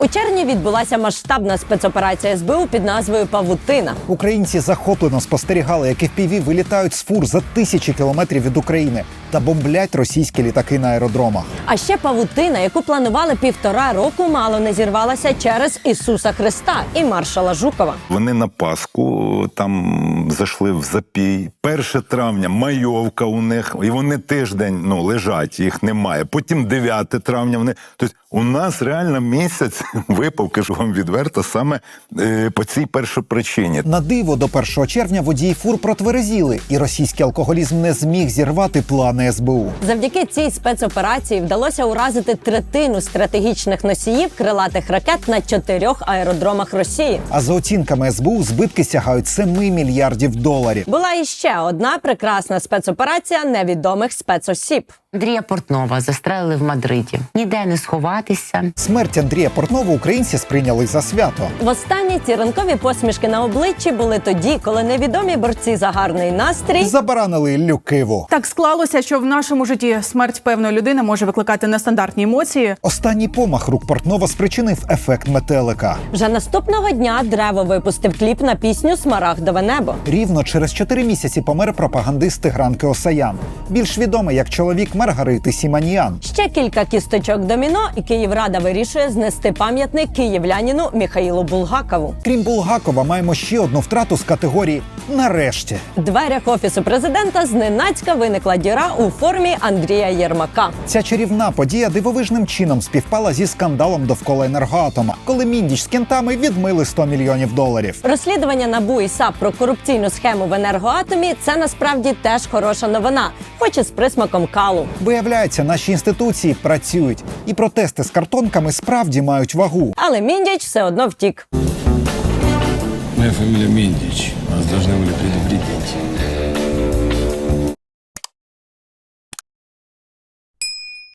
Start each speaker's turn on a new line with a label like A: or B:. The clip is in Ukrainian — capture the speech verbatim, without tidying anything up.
A: У червні відбулася масштабна спецоперація ес бе у під назвою «Павутина».
B: Українці захоплено спостерігали, як еф пі ві вилітають з фур за тисячі кілометрів від України та бомблять російські літаки на аеродромах.
A: А ще павутина, яку планували півтора року, мало не зірвалася через Ісуса Христа і маршала Жукова.
C: Вони на Пасху там зайшли в запій. перше травня майовка у них, і вони тиждень ну, лежать, їх немає. Потім дев'яте травня вони... Тобто у нас реально місяць випав, кажу вам відверто, саме е, по цій першопричині.
B: На диво, до першого червня водії фур протверезіли, і російський алкоголізм не зміг зірвати плани ес бе у.
A: Завдяки цій спецоперації вдалося уразити третину стратегічних носіїв крилатих ракет на чотирьох аеродромах Росії.
B: А за оцінками ес бе у, збитки сягають семи мільярдів доларів.
A: Була іще одна прекрасна спецоперація невідомих спецосіб.
D: Андрія Портнова застрелили в Мадриді. Ніде не сховатися.
B: Смерть Андрія Портнова українці сприйняли за свято.
A: Востаннє ці ранкові посмішки на обличчі були тоді, коли невідомі борці за гарний настрій
B: Забаранили Іллю Киву.
E: Так склалося, що в нашому житті смерть певної людини може викликати нестандартні емоції.
B: Останній помах рук Портнова спричинив ефект метелика.
A: Вже наступного дня Древо випустив кліп на пісню «Смарагдове небо».
B: Рівно через чотири місяці помер пропагандист Тигран Кеосаян, більш відомий як чоловік Маргарити Сіманіян.
A: Ще кілька кісточок доміно, і Київрада вирішує знести пам'ятник київлянину Міхаїлу Булгакову.
B: Крім Булгакова, маємо ще одну втрату з категорії «нарешті».
A: В дверях Офісу президента зненацька виникла діра у формі Андрія Єрмака.
B: Ця чарівна подія дивовижним чином співпала зі скандалом довкола Енергоатома, коли Міндіч з кентами відмили сто мільйонів доларів.
A: Розслідування НАБУ і САП про корупційну схему в Енергоатомі – це насправді теж хороша новина, хоч і з присмаком калу.
B: Виявляється, наші інституції працюють, і протести з картонками справді мають вагу.
A: Але Міндіч все одно втік.
F: Моя фамилия Міндіч. Нас должны были предупредить.